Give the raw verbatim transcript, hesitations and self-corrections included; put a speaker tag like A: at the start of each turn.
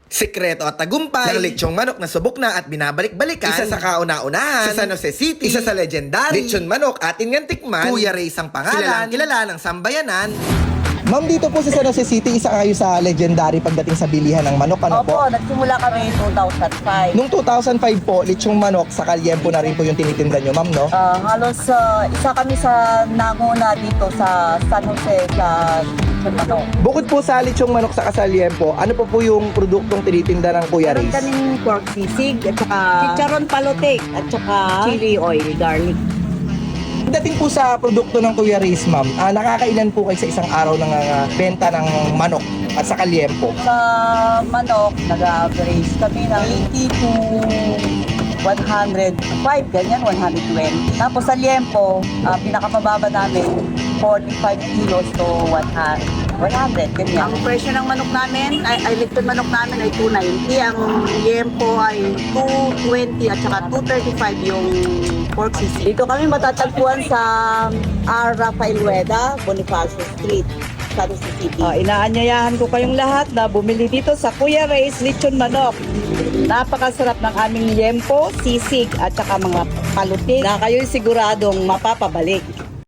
A: Sikreto at tagumpay ng lechong manok na subok na at binabalik-balikan. Isa sa kauna-unahan sa San Jose City. Isa sa legendary lechon manok atin ngang tikman. Kuya Ray's ang pangalan. Kilalang kilala ng sambayanan.
B: Ma'am, dito po sa San Jose City, isa kayo sa legendary pagdating sa bilihan ng manok. Ano
C: Opo,
B: po?
C: nagsimula kami two thousand five.
B: Nung two thousand five po, lechong manok sa Kalyempo na rin po yung tinitinda nyo, ma'am, no?
C: Ah, halos ah, isa kami sa nanguna dito sa San Jose sa ano.
B: Bukod po sa lechong manok sa Kalyempo, ano po po yung produktong tinitinda ng Kuya
C: Meron
B: Ray's?
C: kaming pork sisig at saka chicharon palotek at saka chili oil, garlic.
B: Pagdating po sa produkto ng Kuya Ray's, ma'am, ah, nakakailan po kayo sa isang araw ng ah, benta ng manok at sa Kalyempo?
C: Sa manok, nag-average kami ng eighty to one hundred five, ganyan, one hundred twenty. Tapos sa liempo, ah, pinakamababa namin, forty-five kilos to one hundred, ganyan.
D: Ang presyo ng manok namin, ay, ay lechon manok namin ay two ninety. Ang liempo ay two twenty at saka two thirty-five yung pork sisig.
C: Dito kami matatagpuan sa R. Rafael Rueda, Bonifacio Street, San Jose City.
E: Uh, inaanyayahan ko kayong lahat na bumili dito sa Kuya Ray's Lechon Manok. Napakasarap ng aming liempo, sisig at saka mga palutin na kayo'y siguradong mapapabalik.